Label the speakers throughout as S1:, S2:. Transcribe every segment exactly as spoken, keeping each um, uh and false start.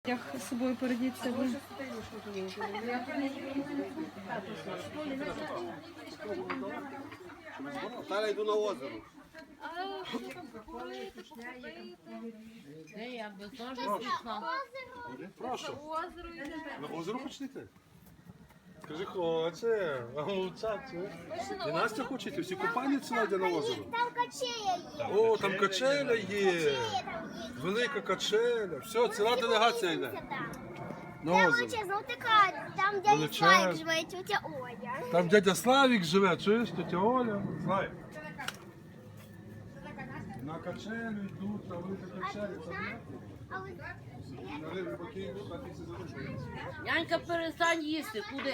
S1: Як з собою передіть себе.
S2: Зараз йду на озеро. Прошу. На озеро хочете йти? Скажи, хоче, а мовчать, чуєш? І Настя хоче йти, всі купальниці Надя на озеро.
S3: Там качеля є.
S2: О, там качеля є. Велика качеля. Все, ціла делегація йде. На озеро.
S3: Величезна така, там дядя
S2: Величезна.
S3: Славік живе, тетя Оля.
S2: Там дядя Славік живе, чуєш, тетя Оля. Славік. На качелю йдуть, на велика качеля.
S3: А ви
S2: На риби поки йдуть, так і все залишується.
S4: Янька, перестань їсти, куди?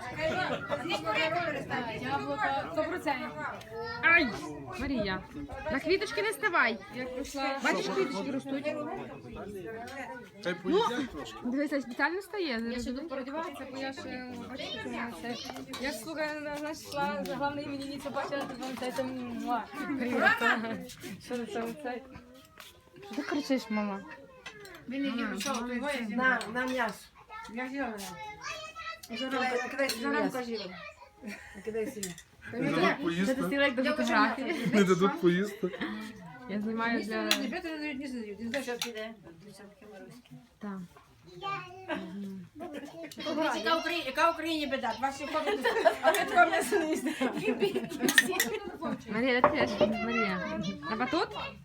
S1: Яблука сто процентів. Ай, Марія, на квіточки не ставай. Як пройшла. Бачиш, квіточки ростуть.
S2: Хай поїдять трошки.
S1: Дивися, спеціально стає.
S5: Я ще тут переодіватися, бо я ще бачите, це. Я ж слухаю, знаєш, йшла за головне іменинницю, бачила, ти вам це там муа. Що це це це?
S1: Що ти кричиш, мама?
S6: На, на м'ясо. Я зелена. Зарамка, кидай зарамка зелена. Кидай синя.
S2: Не дадуть
S1: Це
S2: поїсти.
S1: ти стілек до фотографії.
S2: Не дадуть поїсти.
S1: Я знімаю для...
S6: Ребята не дають, не задають. Не знаєш, що піде.
S1: Так.
S6: Яка Україні, яка Україні біда? Ваші ходять, а ви такого м'ясо не їсте.
S1: Марія, де ти йдеш? Марія. На батут?